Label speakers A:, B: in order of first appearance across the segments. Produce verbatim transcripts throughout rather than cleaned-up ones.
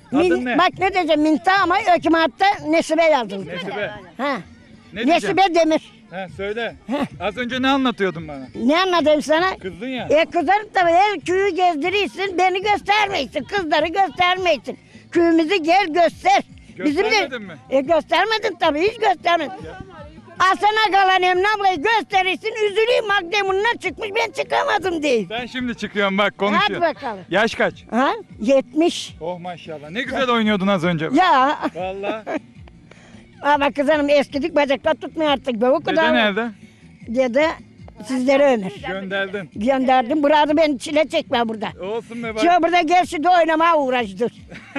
A: Adın
B: Min-
A: ne?
B: Bak ne diyeceğim Minta ama hükümette Nesibe yazıldı.
A: Nesibe.
B: Ha.
A: Ne diyeceğim?
B: Nesibe Demir.
A: Ha, söyle. Az önce ne anlatıyordun bana?
B: Ne anladım sana?
A: Kızdın ya.
B: E kızarım tabii her köyü gezdirirsin beni göstermeysin kızları göstermeysin. Köyümüzü gel göster.
A: Göstermedin mi?
B: E göstermedin tabii hiç göstermedin. Asana kalan Emine ablayı gösterirsin üzüleyim Magdemun'una çıkmış ben çıkamadım değil.
A: Ben şimdi çıkıyorum bak
B: Hadi
A: konuşuyor.
B: bakalım.
A: Yaş kaç?
B: Ha? yetmiş.
A: Oh maşallah. Ne güzel oynuyordun az önce.
B: Ya
A: Vallahi.
B: ama kızanım eskidik bacaklar tutmuyor artık. Be, o
A: Dede
B: kadar.
A: nerede?
B: Dede sizlere ömür.
A: Gönderdin.
B: Gönderdim. Burada beni çile çekme burada.
A: Olsun be bak.
B: Şu burada gel şimdi oynamaya uğraştır.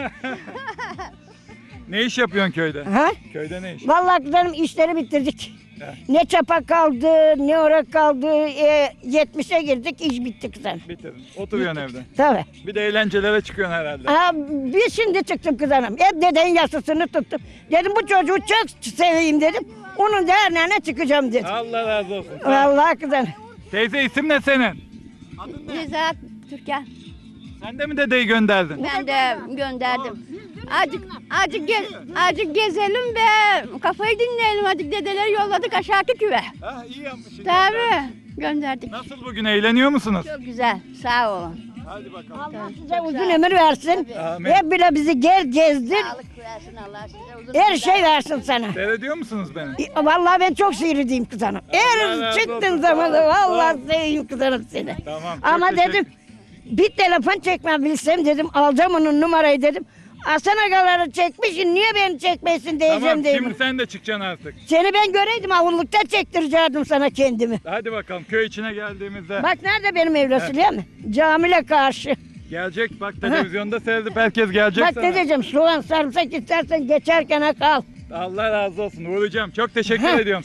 A: Ne iş yapıyorsun köyde?
B: Ha?
A: Köyde ne iş?
B: Vallahi kızanım işleri bitirdik.
A: He.
B: Ne çapa kaldı, ne orak kaldı. E, yetmişe girdik, iş bitti kızanım.
A: Bitirdin. Oturuyorsun evde.
B: Tabii.
A: Bir de eğlencelere çıkıyorsun herhalde.
B: Ha, bir şimdi çıktım kızanım. Hep dedenin yasasını tuttum. Dedim bu çocuğu çok seveyim dedim. Onun derneğine çıkacağım dedim.
A: Allah razı olsun.
B: Vallahi kızanım.
A: Teyze isim ne senin?
C: Nezahat Türkan.
A: Sen de mi dedeyi gönderdin?
C: Ben de gönderdim. Azıcık, azıcık, gez, azıcık gezelim ve kafayı dinleyelim. Azıcık dedeleri yolladık aşağı küve.
A: Ha iyi yapmışsın.
C: Tabii gönderdik.
A: Nasıl bugün eğleniyor musunuz?
C: Çok güzel. Sağ olun.
A: Hadi bakalım.
B: Allah size uzun ömür versin.
A: Amin.
B: Hep bile bizi gel gezdir.
C: Sağlık versin Allah size uzun
B: Her şey versin sana.
A: Seyrediyor musunuz beni?
B: E, Vallahi ben çok seyredeyim kız hanım.
A: Allah
B: Her
A: razı
B: çıktığın
A: olsun.
B: zaman da
A: Sağ ol.
B: vallahi seveyim kız hanım seni.
A: Tamam, çok
B: Ama
A: teşekkür-
B: dedim bir telefon çekmem bilsem dedim alacağım onun numarayı dedim. Hasan agaları çekmişsin niye beni çekmesin diyeceğim
A: Tamam
B: dedim.
A: şimdi sen de çıkacaksın artık.
B: Seni ben göreydim avullukta çektirecektim sana kendimi.
A: Hadi bakalım köy içine geldiğimizde.
B: Bak nerede benim evlası biliyor musun? Camile karşı.
A: Gelecek bak televizyonda seyredip herkes gelecek
B: Bak
A: sana.
B: ne diyeceğim soğan sarımsak istersen geçerken kal.
A: Allah razı olsun uğrayacağım. Çok teşekkür
B: Heh.
A: ediyorum.